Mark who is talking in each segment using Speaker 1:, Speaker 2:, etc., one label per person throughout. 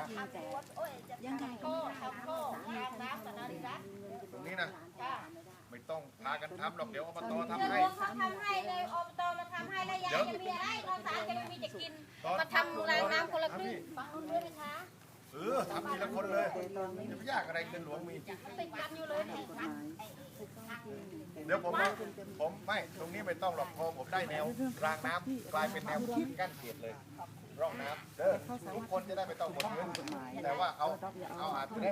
Speaker 1: ยังไงก็ทำโค้งทางน้ำกับนาฬิกา
Speaker 2: ตรงนี้นะไม่ต้องพากันทำหรอกเดี๋ยวอบตทำ
Speaker 1: เดี๋ยว
Speaker 2: ให้
Speaker 1: หลวงเขาทำให้เลยอบตมาทำให้แล้วยายจะมีอะไรข้าวสารจะไม่มีจะกินมาทำรางน้ำคนละครึ่งฟังนู้นด้วยนะคะ
Speaker 2: ทำทีละคนเลยจะไม่ยากอะไรเงินหลวงมี
Speaker 1: ติดกันอยู่เลย
Speaker 2: เดี๋ยวผมไม่ตรงนี้ไม่ต้องหรอกพอผมได้แนวรางน้ำกลายเป็นแนวกั้นเขตเลยร่องน้ำทุกคนจะได้ไม่ต้องหมดเงินแต่ว่าเอาอาจจะได้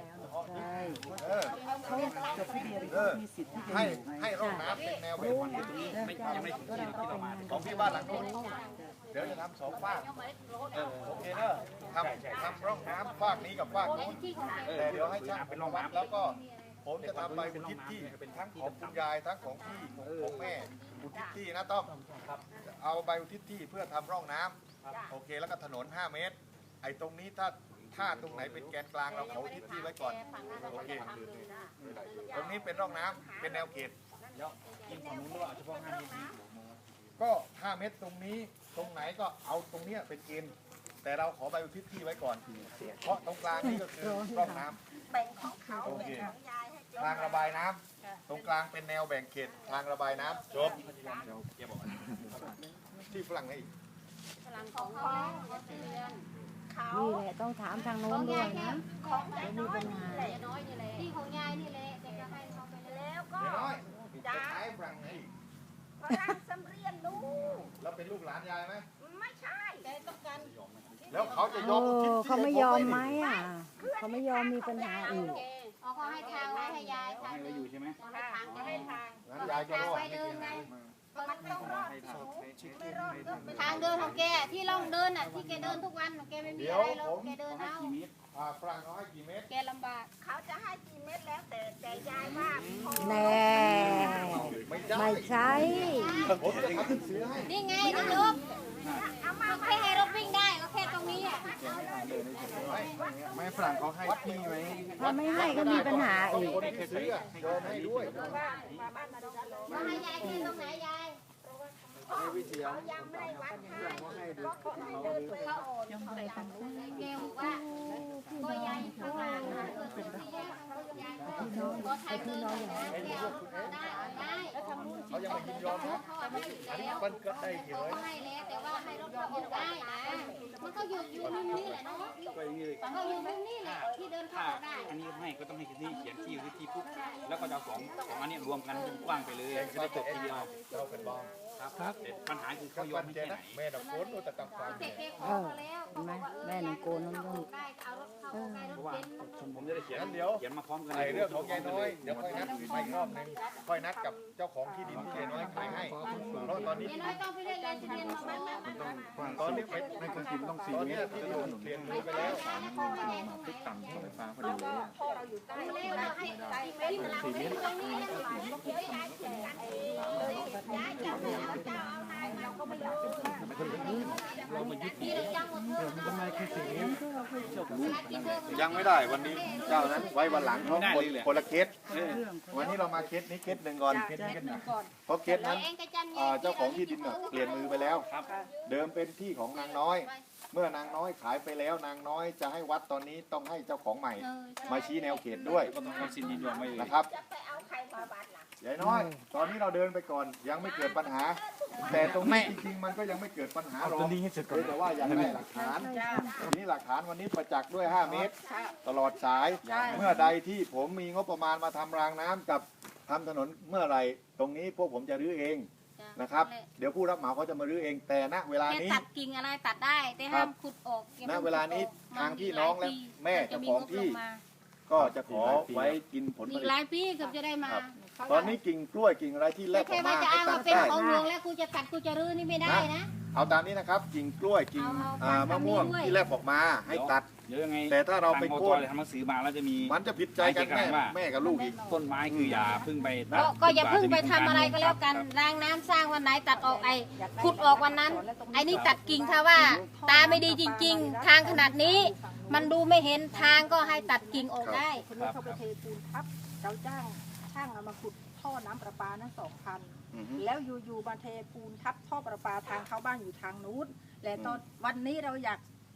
Speaker 2: ให้ร่องน้ำเป็นแนวแบบ
Speaker 3: ยังไม่ถึงที่เรามา
Speaker 2: ของพี่บ้านหลังนู้นเดี๋ยวจะทำ2 ฝากโอเคเนอะทำร่องน้ำฝากนี้กับฝากนู้นแต่เดี๋ยวให้ช่างเป็นร่องน้ำแล้วก็ผมจะทำใบอุทิศที่เป็นทั้งของคุณยายทั้งของพี่ของแม่อุทิศที่นะต้อมเอาใบอุทิศที่เพื่อทำร่องน้ำโอเคแล้วก็ถนน5 เมตรไอ้ตรงนี้ถ้าตรงไหนเป็นแกนกลางเราขออุทิศที่ไว้ก่อนโอเคตรงนี้เป็นร่องน้ำเป็นแนวเขต
Speaker 3: กินของนู้นว่าเฉพาะ5 เมตร
Speaker 2: ก็5 เมตรตรงนี้ตรงไหนก็เอาตรงนี้เป็นเกณฑ์แต่เราขอใบอุทิศที่ไว้ก่อนเพราะตรงกลางนี่ก็คือร่องน้ำ
Speaker 1: แบ่งของเขา
Speaker 2: โอเคทางระบายน้ำตรงกลางเป็นแนวแบ่งเขตทางระบายน้ำจบที่ฝรั่งให้อีก
Speaker 1: พลังของเขา
Speaker 4: นี่แหละต้องถามทางโน้นด้วยนะ
Speaker 1: ของยายน้อยนี่แหละน้อยนี่แหละที่ของยายนี่แหละแต่ก็ให้เขาไปแล้วก็
Speaker 2: จ้าฝรั่งให้อีก
Speaker 1: ฝรั่งสำเรียนลูก
Speaker 2: แล้วเป็นลูกหลานยายไหม
Speaker 1: ไม่ใช่ยายต้องการ
Speaker 2: แล้วเขาจะยอม
Speaker 4: เขาไม่ยอมไหมเขาไม่ยอมมีปัญหาอีก
Speaker 1: เขาให้ทางไว้ให้ยายทาง
Speaker 3: อยู่ใช่ไหม
Speaker 1: ทางจะให้ทาง
Speaker 2: งั้นยายก็รอด
Speaker 1: ไปเดินไงมันต้องรอดไม่รอดทางเดินของแกที่ล่องเดินอ่ะที่แกเดินทุกวันของแกไม่มีอะไรหรอกแกเดินเอา
Speaker 2: ฝรั่งเขาให้กี่เมตร
Speaker 1: แกลำบากเขาจะให้กี่เมตรแล้วแต่ยายว่า
Speaker 4: แน่ไม่ใช่
Speaker 1: นี่ไงนะลูกแค่ให้รถวิ่งได้ก็แค่ตรงนี้อ่ะ
Speaker 3: ไม่ฝรั่งเขาให้ที่ไหม
Speaker 4: ถ้าไม่ให้ก็มีปัญหาอีก
Speaker 2: โดนให้ด้วย
Speaker 1: มาให้ยายที่ตรงไหนยายเขายังไม่ได้วัดให้ก็เขาให้เดินไปเขายังไม่ได้ทำเกลว่าก็ยายข้างล่างนะเป็นที่ยายก็ทำเดินนะเกลได้แล้วทำนู่น
Speaker 2: เขายังไม่ยินยอมนะมันก็ได้เยอะ
Speaker 1: ให้แล้วแต่ว่าให้รถเข้าออกได้นะมันก็อยู่มุมนี้แหละเนาะก็อยู่มุมนี้แหละที่เดินเข้าออกได้
Speaker 3: อันนี้ให้ก็ต้องให้ที่เขียนที่ปุ๊บแล้วก็จะของอันนี้รวมกันกว้างไปเลยจะได้จบทีเดียว
Speaker 2: เราเป็นบ้อง
Speaker 3: ครับปัญหาคือเขายอมไม่ใช่ไหน
Speaker 2: แม่ดอกโกนแต่ต่างๆ
Speaker 4: เห็นไหมแม่หนึ่งโกนนั่นต้อง
Speaker 3: ผมจะได้เขียนมาพร้อมกัน
Speaker 2: เรื่องของยายน้อยเดี๋ยวค่อยนัดไปรอบนึงค่อยนัดกับเจ้าของที่ดินที่ยายน้อยขายให้เพราะตอนนี้ตอนนี้เป็นในคนกินต้อง4 เมตรที่ดินเปลี่ยนมือไปแล้ว
Speaker 3: ติดต่ำที่ไฟฟ้าพอดีเลย
Speaker 1: พ่อเราอยู่ใต้4 เมตรตรงนี้
Speaker 2: ยังไม่ได้วันนี้เจ้านั้นไว้วันหลังเขาคนละเคสวันนี้เรามาเคสนี้เคสหนึ่งก่อนเพราะเคสนั้นเจ้าของที่ดินเปลี่ยนมือไปแล้วเดิมเป็นที่ของนางน้อยเมื่อนางน้อยขายไปแล้วนางน้อยจะให้วัดตอนนี้ต้องให้เจ้าของใหม่มาชี้แนวเขตด้วยนะครับยายน้อยตอนนี้เราเดินไปก่อนยังไม่เกิดปัญหาแต่ตรงนี้จริงๆมันก็ยังไม่เกิดปัญหาหรอกแต่ว่าอยากได้หลักฐานนี่หลักฐานวันนี้ประจักษ์ด้วย5 เมตรตลอดสายเมื่อใดที่ผมมีงบประมาณมาทำรางน้ำกับทำถนนเมื่อไหร่ตรงนี้พวกผมจะรื้อเองนะครับเดี๋ยวผู้รับเหมาเขาจะมารื้อเองแต่ณเวลานี้
Speaker 1: ตัดกิ่งอะไรตัดได้แต่ห้ามขุดออก
Speaker 2: ณเวลานี้ทางพี่น้องและแม่เจ้าของที่ก็จะขอไว้กินผลผลิต
Speaker 1: อีกหลายปีเกือบจะได้มา
Speaker 2: ตอนนี้กิ่งกล้วยกิ่งอะไรที่แลกออกมา
Speaker 1: ให้ตัดได้เป็นของหลวงแล้วกูจะตัดกูจะรื้อนี่ไม่ได้นะ
Speaker 2: เอาตามนี้นะครับกิ่งกล้วยกิ่งมะม่วงที่แลกออกมาให้ตัดแต่ถ้าเราไปโค่น
Speaker 3: ทำหนังสือมาแล้วจะมี
Speaker 2: มันจะผิดใจกันแม่กับลูกอีก
Speaker 3: ต้นไม้คืออย่าพึ่งไป
Speaker 1: ก็อย่าพึ่งไปทำอะไรก็แล้วกันรางน้ำสร้างวันไหนตัดออกขุดออกวันนั้นไอ้นี่ตัดกิ่งถ้าว่าตาไม่ดีจริงๆทางขนาดนี้มันดูไม่เห็นทางก็ให้ตัดกิ่งออกได้
Speaker 5: คนนี้เขาไปเทปูนทับเราจ้างช่างเอามาขุดท่อน้ำประปานั้น2,000แล้วอยู่ๆมาเทปูนทับท่อประปาทางเข้าบ้านอยู่ทางนู้นและตอนวันนี้เราอยากให้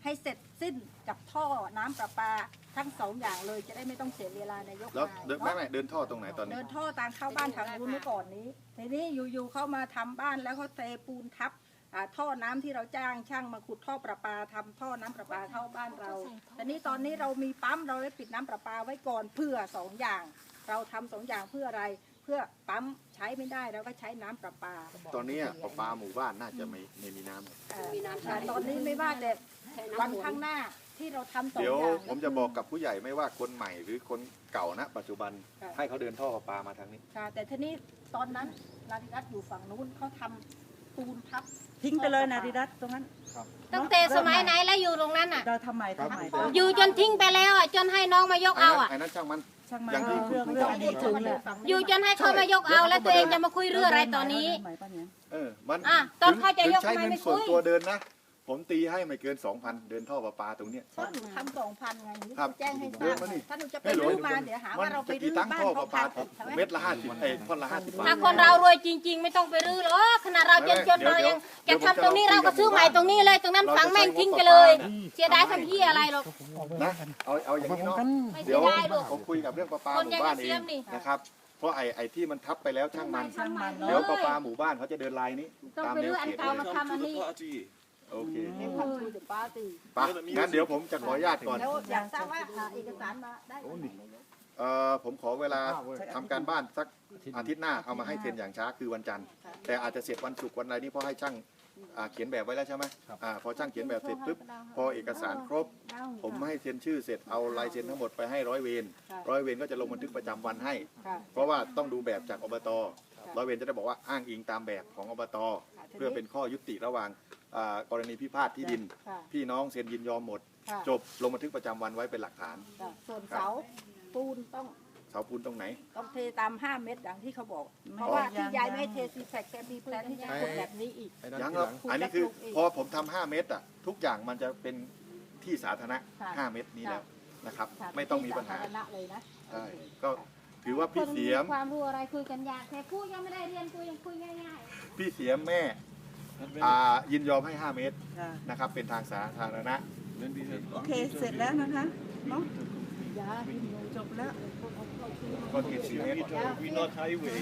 Speaker 5: ให้เสร็จสิ้นกับท่อน้ำประปาทั้ง2อย่างเลยจะได้ไม่ต้องเสียเวลานายก
Speaker 2: แล้วเดินไม่เดินท่อตรงไหนตอนนี้
Speaker 5: เดินท่อตามเข้าบ้านทางนู้นเมื่อก่อนนี้ทีนี้อยู่ๆเข้ามาทำบ้านแล้วเขาเทปูนทับท่อน้ำที่เราจ้างช่างมาขุดท่อประปาทำท่อน้ำประปาเข้าบ้านเราแต่นี้ตอนนี้เรามีปั๊มเราได้ปิดน้ำประปาไว้ก่อนเพื่อ2อย่างเราทำ2อย่างเพื่ออะไรเพื่อปั๊มใช้ไม่ได้เราก็ใช้น้ำประปา
Speaker 2: ตอนนี้ประปาหมู่บ้านน่าจะไม่มีน้ำ
Speaker 5: แต่ตอนนี้ไม่ว่าแต่วันข้างหน้าที่เราทำ2อย่าง
Speaker 2: เดี๋ยวผมจะบอกกับผู้ใหญ่ไม่ว่าคนใหม่หรือคนเก่านะปัจจุบันให้เขาเดินท่อประปามาทางนี้
Speaker 5: ค่ะแต่ทีนี้ตอนนั้นนาริรัตน์อยู่ฝั่งนู้นเขาทำปูนทับ
Speaker 4: ทิ้งไปเลยนาดิรัตตรงนั้น
Speaker 1: ตั้งแต่สมัยไหนแล้วอยู่ตรงนั้นอ่ะ
Speaker 4: เราทำไม
Speaker 1: อยู่จนทิ้งไปแล้วอ่ะจนให้น้องมายกเอาอ่ะ
Speaker 2: ไอ้นั้นช่างมัน
Speaker 4: ช่างมัน
Speaker 2: อย่างที่
Speaker 4: เรื่องอดีตถึงแหละ
Speaker 1: อยู่จนให้เขามายกเอาแล้วตัวเองจะมาคุยเรื่องอะไรตอนนี้
Speaker 2: มัน
Speaker 1: ตอนเขาจะยก
Speaker 2: ใช้
Speaker 1: ทำไม
Speaker 2: เงิน
Speaker 1: ไม่
Speaker 2: ส่วน
Speaker 1: คุย
Speaker 2: ตัวเดินนะ ผมตีให้ไม่เกิน 2,000 เดินท่อประปาตรงเนี้ย
Speaker 5: เพราะหนูทำ2,000ไงหนู
Speaker 2: ครับ
Speaker 5: แจ้งให้ท
Speaker 2: เดิ
Speaker 5: ราน บ
Speaker 2: มานี่
Speaker 5: ถ้าหนูจะไปรื้อมาเดี๋ยวหาว่าเราไปรื้อ
Speaker 2: ตั้ง
Speaker 5: บ้าน
Speaker 2: ท่อป
Speaker 5: เขา
Speaker 2: ระปา
Speaker 5: พังใช่ไหม
Speaker 2: เม็ดละ50ท่อนละ50 บา
Speaker 1: ถ้า
Speaker 2: ท
Speaker 1: คนเรารวยจริง ๆ ไม่ต้องไปรื้อหรอกขนาดเราจนเรายังจะทำตรงนี้เราก็ซื้อใหม่ตรงนี้เลยตรงนั้นฝังแม่งทิ้งไปเลย เสียดายทำที่อะไรหรอก
Speaker 2: นะเอาอย่างนี้เนาะ
Speaker 1: ไม่เสี
Speaker 2: เดี๋
Speaker 1: ย
Speaker 2: ยว
Speaker 1: ดายหรอก
Speaker 2: ผมคุยกับเรื่องประปา
Speaker 1: คน
Speaker 2: ห
Speaker 1: ยั
Speaker 2: มู่
Speaker 1: ง
Speaker 2: บ้าน
Speaker 1: ไม่
Speaker 2: เอ
Speaker 1: เสีย
Speaker 2: ง
Speaker 1: มนี่
Speaker 2: นะครับเพราะไอ้ที่มันทับไปแล้วช่างมัน
Speaker 1: เน
Speaker 2: เดี๋ยว
Speaker 1: อะ
Speaker 2: ประปาหมู่บ้านเขาจะเดินลายนี้
Speaker 1: ต้อง
Speaker 2: ตาม
Speaker 1: ไป
Speaker 2: แน
Speaker 1: รื้
Speaker 2: ว
Speaker 1: ออัน
Speaker 2: เขต
Speaker 1: เก่า
Speaker 2: เล
Speaker 1: มาย ทำอันนี้
Speaker 2: โอเค
Speaker 5: เอ็มพันธุ์เดอะปาร์ตี้
Speaker 2: ไปงั้นเดี๋ยวผมจะขออนุญาตก่อน
Speaker 5: แล้วอยากทราบว่าเอกสารมาได้ไหม
Speaker 2: ผมขอเวลาทำการบ้านสักอาทิตย์หน้าเอามาให้เซ็นอย่างช้าคือวันจันทร์แต่อาจจะเสร็จวันศุกร์วันอะไรนี่เพราะให้ช่างเขียนแบบไว้แล้วใช่ไหมพอช่างเขียนแบบเสร็จปุ๊บพอเอกสารครบ ผมให้เซ็นชื่อเสร็จเอาลายเซ็นทั้งหมดไปให้ร้อยเวรก็จะลงบันทึกประจำวันให้ เพราะว่าต้องดูแบบจากอบตร้อยเวรจะได้บอกว่าอ้างอิงตามแบบของอบตเพื่อเป็นข้อยุติระหว่างกรณีพิพาทที่ดิน พี่น้องเซ็นยินยอมหมด จบลงบันทึกประจำวันไว้เป็นหลักฐาน
Speaker 5: ส่วนเสาปูนต้อง
Speaker 2: เสาปูนตรงไหน
Speaker 5: ต้องเทตาม5 เมตรอย่างที่เขาบอก เพราะว่าที่ยายไม่ให้เทซีแฟกแกมีแพลนที่จะขุดแบบนี้อีก
Speaker 2: ยังครับอันนี้คือพอผมทำ5 เมตรทุกอย่างมันจะเป็นที่สาธารณะ 5 เมตรนี้แล้วนะครับไม่ต้องมีปัญหา
Speaker 5: สธรณะเลยนะ
Speaker 2: ใช่ก็ถือว่าพี่เสียม
Speaker 1: ความรู้อะไรคุยกันยากแต่พูดยังไม่ได้เรียนคุยยังคุยง่าย
Speaker 2: พี่เสียมแม่ยินยอมให้ 5 เมตรนะครับเป็นทางสาธารณะ
Speaker 4: โอเคเสร็จแล้วนะคะเนาะจบแล้ว
Speaker 2: คอนกรีต4 เมตร
Speaker 3: We not highway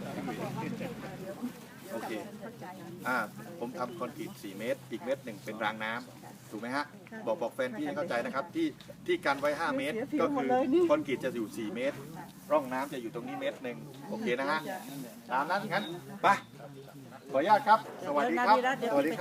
Speaker 2: โอเคผมทำคอนกรีต4 เมตรอีกเมตรหนึ่งเป็นรางน้ำถูกไหมฮะบอกแฟนพี่ให้เข้าใจนะครับที่กันไว้5 เมตรก็คือคอนกรีตจะอยู่4 เมตรร่องน้ำจะอยู่ตรงนี้เมตรหนึ่งโอเคนะฮะตามนั้นงั้นไปขออนุญาตครับสวัสดีครับสวัสดีครับ